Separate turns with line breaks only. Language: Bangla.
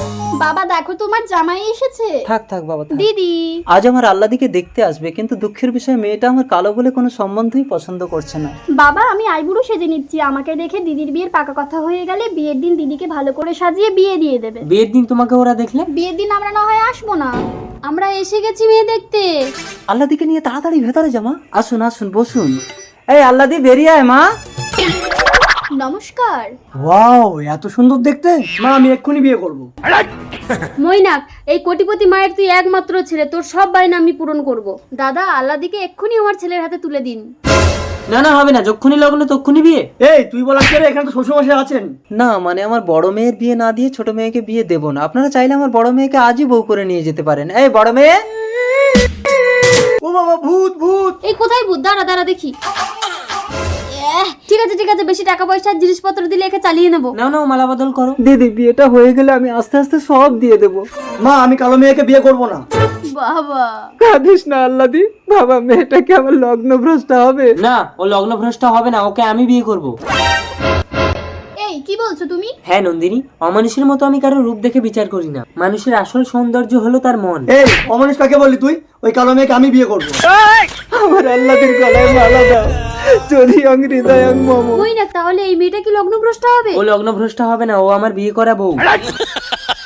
বাবা দেখো তোমার জামাই এসেছে।
থাক থাক বাবা থাক।
দিদি
আজ আমার আল্লাদিকে দেখতে আসবে, কিন্তু দুঃখের বিষয় মেয়েটা আমার কালো বলে কোনো সম্বন্ধই পছন্দ করছে না।
বাবা আমি আইবুড়ো সেজে নিচ্ছি, আমাকে দেখে দিদির বিয়ের পাকা কথা হয়ে গেলে বিয়ের দিন দিদিকে ভালো করে সাজিয়ে বিয়ে দিয়ে দেবে।
বিয়ের দিন তোমাকে ওরা দেখলে?
বিয়ের দিন আমরা না হয় আসবো না।
আমরা এসে গেছি মেয়ে দেখতে।
আল্লাদিকে নিয়ে তাড়াতাড়ি ভেতরে জামা। আসুন আসুন বসুন। এই আল্লাদি বেরিয়ে আয় মা।
নমস্কার।
ওয়াও, এত সুন্দর দেখতে। মা আমি এক্ষুনি বিয়ে করব।
মৈনাক, এই কোটিপতি মায়ের তুই একমাত্র ছেলে, তোর সব বায়না আমি পূরণ করব। দাদা, আল্লাদিকে এক্ষুনি আমার ছেলের হাতে তুলে দিন।
না না হবে না, যখনই লাগলো তখনই বিয়ে।
এই তুই বলার কি রে? এখানে তো শ্বশুরমশাই আছেন।
না মানে আমার বড় মেয়ের বিয়ে না দিয়ে ছোট মেয়েকে বিয়ে দেবো না। আপনারা চাইলে আমার বড় মেয়েকে আজই বউ করে নিয়ে যেতে পারেন। এই বড় মেয়ে।
ও বাবা, ভূত ভূত।
এই কোথায় ভূত? দাঁড়া দাঁড়া দেখি। ঠিক আছে ঠিক আছে, বেশি টাকা পয়সা জিনিসপত্র দিলে একে চালিয়ে নেবো।
নাও নাও মালা বদল করো।
দিদি বিয়েটা হয়ে গেলে আমি আস্তে আস্তে সব দিয়ে দেবো।
মা আমি কালো মেয়েকে বিয়ে করব না।
বাবা
কাঁদিস না আল্লাদি, বাবা মেয়েটাকে আমার লগ্ন ভ্রষ্ট হবে।
না, ও লগ্নভ্রষ্ট হবে না, ওকে আমি বিয়ে করব।
এই কি বলছো তুমি?
হ্যাঁ নন্দিনী, অমানুষের মতো আমি কারো রূপ দেখে বিচার করি না। মানুষের আসল সৌন্দর্য হলো তার মন।
এই অমানুষ কাকে বললি তুই? ওই কালো মেয়েকে আমি বিয়ে করব।
আমার আল্লাদির গলায় মালা দাও, যদি হৃদয়ং মম।
মৈনাক, তাহলে এই মেয়েটা কি লগ্নভ্রষ্ট হবে?
ও লগ্নভ্রষ্ট হবে না, ও আমার বিয়ে করা বউ।